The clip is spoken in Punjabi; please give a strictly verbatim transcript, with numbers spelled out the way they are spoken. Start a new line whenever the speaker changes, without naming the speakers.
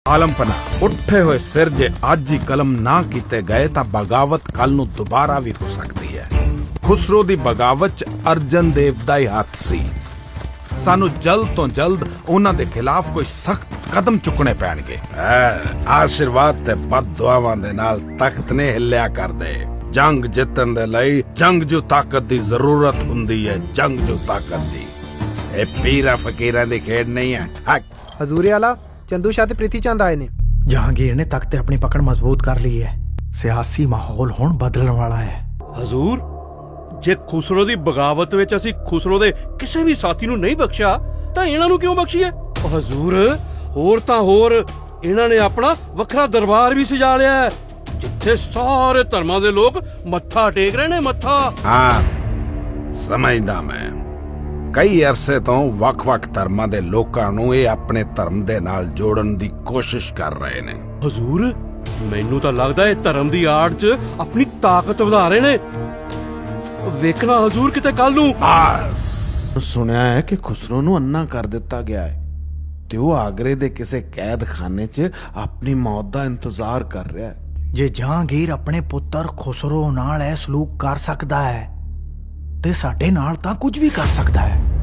ਆਲਮਪਨਾ ਉੱਠੇ ਹੋਏ ਸਿਰ ਜੇ ਅੱਜ ਹੀ ਕਲਮ ਨਾ ਕੀਤੇ ਗਏ ਤਾਂ ਬਗਾਵਤ ਕੱਲ ਨੂੰ ਦੁਬਾਰਾ ਵੀ ਹੋ ਸਕਦੀ ਹੈ। ਖੁਸਰੋ ਦੀ ਬਗਾਵਤ ਚ ਅਰਜਨ ਦੇਵ ਦਾ ਹੀ ਹੱਥ ਸੀ। ਸਾਨੂੰ ਜਲਦ ਤੋਂ ਜਲਦ ਉਹਨਾਂ ਦੇ ਖਿਲਾਫ ਕੋਈ ਸਖਤ ਕਦਮ ਚੁੱਕਣੇ ਪੈਣਗੇ। ਆਸ਼ੀਰਵਾਦ ਤੇ ਬਦਦੁਆਵਾਂ ਦੇ ਨਾਲ ਤਖਤ ਨੇ ਹਿੱਲਿਆ ਕਰਦੇ। ਜੰਗ ਜਿੱਤਣ ਦੇ ਲਈ ਜੰਗਜੂ ਤਾਕਤ ਦੀ ਜ਼ਰੂਰਤ ਹੁੰਦੀ ਹੈ। ਜੰਗਜੂ ਤਾਕਤ ਦੀ ਇਹ ਪੀਰਾਂ ਫਕੀਰਾਂ ਦੀ ਖੇਡ ਨਹੀਂ ਹੈ।
ਹਜ਼ੂਰੇ ਆਲਾ ਚੰਦੂ ਸ਼ਾਹ ਤੇ ਪ੍ਰੀਤੀ ਚੰਦ ਆਏ ਨੇ।
ਜਹਾਂਗੀਰ ਨੇ ਤਖਤ ਤੇ ਆਪਣੀ ਪਕੜ ਮਜ਼ਬੂਤ ਕਰ ਲਈ ਹੈ। ਸਿਆਸੀ ਮਾਹੌਲ ਹੁਣ ਬਦਲਣ ਵਾਲਾ ਹੈ।
ਹਜ਼ੂਰ, ਜੇ ਖੁਸਰੋ ਦੀ ਬਗਾਵਤ ਵਿੱਚ ਅਸੀਂ ਖੁਸਰੋ ਦੇ ਕਿਸੇ ਵੀ ਸਾਥੀ ਨੂੰ ਨਹੀਂ ਬਖਸ਼ਿਆ ਤਾਂ ਇਹਨਾਂ ਨੂੰ ਕਿਉਂ ਬਖਸ਼ੀਏ? ਹਜ਼ੂਰ, ਹੋਰ ਤਾਂ ਹੋਰ ਇਹਨਾਂ ਨੇ ਆਪਣਾ ਵੱਖਰਾ ਦਰਬਾਰ ਵੀ ਸਜਾ ਲਿਆ ਹੈ, ਜਿੱਥੇ ਸਾਰੇ ਧਰਮਾਂ ਦੇ ਲੋਕ ਮੱਥਾ ਟੇਕ ਰਹੇ ਨੇ। ਮੱਥਾ
ਹਾਂ, ਸਮਝਦਾ ਮੈਂ। ਕਈ ਅਰਸੇ ਤੋਂ ਵੱਖ-ਵੱਖ ਧਰਮਾਂ ਦੇ ਲੋਕਾਂ ਨੂੰ ਇਹ ਆਪਣੇ ਧਰਮ ਦੇ ਨਾਲ ਜੋੜਨ ਦੀ ਕੋਸ਼ਿਸ਼ ਕਰ ਰਹੇ ਨੇ।
ਹਜ਼ੂਰ, ਮੈਨੂੰ ਤਾਂ ਲੱਗਦਾ ਇਹ ਧਰਮ ਦੀ ਆੜ 'ਚ ਆਪਣੀ ਤਾਕਤ ਵਧਾ ਰਹੇ ਨੇ। ਵੇਖਣਾ ਹਜ਼ੂਰ, ਕਿਤੇ ਕੱਲ ਨੂੰ।
ਬਸ
ਸੁਣਿਆ ਹੈ ਕਿ ਖੁਸਰੋ ਨੂੰ ਅੰਨਾ ਕਰ ਦਿੱਤਾ ਗਿਆ ਹੈ ਤੇ ਉਹ ਆਗਰੇ ਦੇ ਕਿਸੇ ਕੈਦਖਾਨੇ 'ਚ ਆਪਣੀ ਮੌਤ ਦਾ ਇੰਤਜ਼ਾਰ ਕਰ ਰਿਹਾ ਹੈ।
ਜੇ ਜਹਾਂਗੀਰ ਆਪਣੇ ਪੁੱਤਰ ਖੁਸਰੋ ਨਾਲ ਇਹ ਸਲੂਕ ਕਰ ਸਕਦਾ ਹੈ ਤੇ ਸਾਡੇ ਨਾਲ ਤਾਂ ਕੁਝ ਵੀ ਕਰ ਸਕਦਾ ਹੈ।